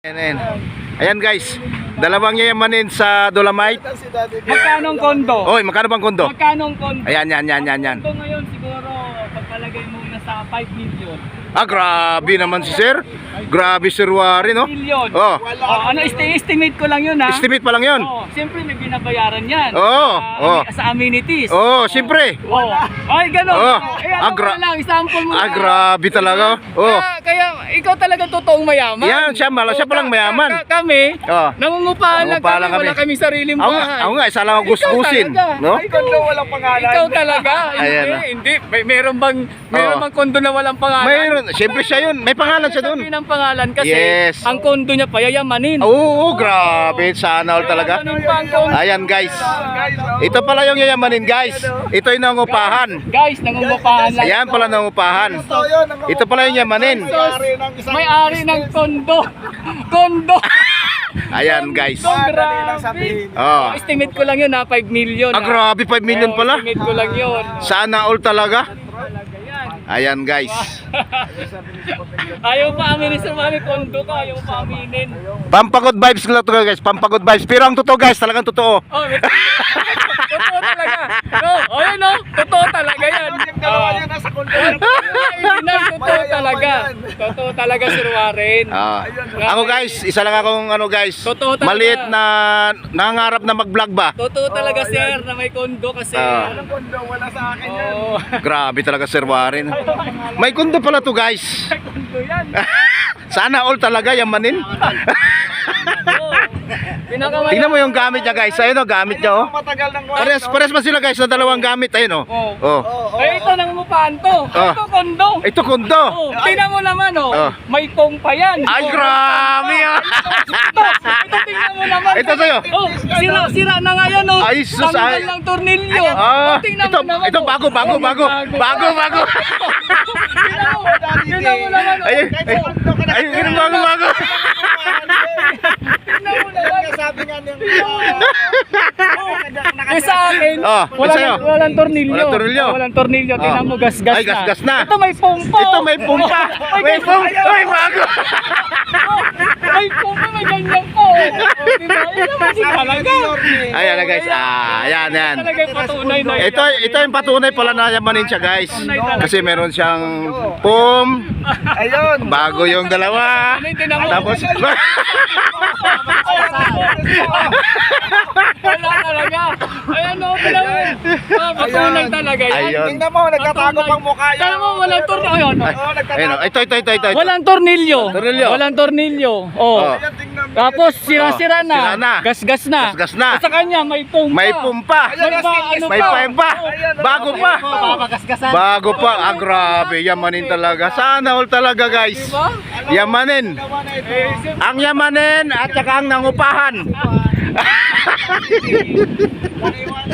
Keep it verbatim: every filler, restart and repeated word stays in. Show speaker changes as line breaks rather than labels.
Ayan, ayan guys, dalawang yayamanin sa Dolomite.
Magkano ang kondo?
Oy, magkano bang kondo?
Magkano ang kondo?
Ayan, yan, yan, yan, yan.
Ang kondo ngayon siguro pagpalagay mo na sa five million.
Ah, grabe naman si sir. Grabe Sir Warren, no?
Million.
Oh.
Oh, ano esti- estimate ko lang 'yun ha.
Estimate pa lang 'yon.
Oh, siyempre may binabayaran 'yan.
Oo,
Sa,
oo.
sa amenities.
Oh, siyempre.
Oh. Ay, ganun.
Oh.
Eh, ano
Agra-
mo lang, sample mo
Ah,
lang.
grabe talaga. Oh.
Kaya, kaya ikaw talaga totoong mayaman.
Yan, siya mala, siya
Oh,
palang
ka-
mayaman.
ka- kami,
Oh.
nangungupahan lang
Nangungupahan
kami,
lang kami.
wala kaming sariling
Ako nga,
bahay.
ako nga, isa lang ako
Ikaw
gusgusin,
talaga.
no?
Ay, kondo walang pangalan. Ikaw talaga.
Ayan
Hindi,
na.
hindi. May, meron bang, meron
Oh.
bang kondo na walang pangalan?
Mayroon, siyempre siya 'yun. May pangalan siya doon.
Sabihin ang pangalan kasi
Yes.
ang kondo niya payayamanin.
Oo, grabe, sana all talaga.
Payayamanin pa ang kondo.
Ayan guys. Ito pala yung yayamanin guys. Ito yung nangungupahan.
Guys, nangungupahan lang.
Ayan pala nangungupahan. Ito pala yung yamanin.
May-ari ng kondo. Kondo.
Ayan guys.
Grabe.
Oh.
Estimate ko lang yun ha, five million.
Ah,
ha.
grabe, five million
Oo,
pala.
Estimate ko lang yun.
Sana all talaga.
Talaga yan.
Ayan guys.
Ayaw pa aminin sa mami kondo ka, ayaw pa aminin.
Pampagod vibes lang to guys. Pampagod vibes. Pero ang totoo guys, talagang totoo.
Oh, may- totoo talaga. No, oh yun no, totoo talaga yan. Oh. Original, totoo talaga. Totoo talaga Sir Warren.
Ah. Ako guys, isa lang akong ano guys.
Totoo talaga.
Maliit na nangangarap na mag-vlog ba.
Totoo talaga sir na may kondo kasi.
Ah.
kondo, wala sa akin yan. Oh.
Grabe talaga Sir Warren. May kondo pala to guys.
Kondo yan.
Sana all talaga yamanin.
Oh. Pinakamay-
Tingnan mo yung gamit niya guys. Ayun o, gamit niya oh. Pares, pares ba sila guys na dalawang gamit? Ayun oh.
Oh.
Oh.
Ay, ito nang mupahan to.
Oh.
Ito kondo.
Ito kondo.
Oh, tingnan mo naman oh.
Oh.
May pong pa yan.
Ay,
Oh.
grabe ah.
Ito, ito tingnan mo naman.
Ito sa'yo.
Oh, sira, sira na nga yan oh.
Ay, sus,
Tanggal
ay.
ng tornilyo.
Ah,
Oh, tingnan
ito,
mo naman.
ito
oh.
bago, bago,
Oh,
bago. Bago, bago.
Tingnan mo, tingnan mo naman oh.
Ay, ay, ay, ay, bago, bago.
Tingnan mo naman.
Sabi nga ng
Eh sa akin,
Oh,
walang,
sa'yo?
walang tornilyo.
Walang tornilyo.
Oh, walang tornilyo. Tingnan
Oh.
mo, gas-gas
Ay, gas-gas na.
Ito may pumpa.
Ito may pumpa. May pumpa. Ay, bago.
May pumpa, may ganyan po. Oh, diba? Ito naman din talaga.
Ayan na guys. Ah, ayan, ayan.
Talaga yung patunay na
Ito, ito yung patunay pala na yamanin siya guys. Kasi meron siyang pum.
Ayun.
Bago yung dalawa.
Ano yung tinamo?
Tapos,
Wala talaga. Ayan o, tingnan mo. Ah, patunay talaga yan.
Ayun.
Tingnan mo, nagtatago pang mukha yan.
Tingnan mo, walang tornilyo. Ayun, oh.
Oo,
ayun, oh. ito, ito, ito, ito. ito.
Walang tornilyo.
Tornilyo.
Walang tornilyo. Oh.
Oh.
Tingnan mo.
Tapos sira-sira
Oh, sira na.
na. Gas-gas na.
Gas-gas na.
Sa kanya may pumpa.
May pumpa.
May pa, ano
May
pa.
pumpa. Bago pa.
Papagasgasan.
Bago pa. Ah, grabe. Yamanin talaga. Sana all talaga guys.
Diba?
Yamanin.
Eh, siyempre,
Ang yamanin at saka ang nangupahan.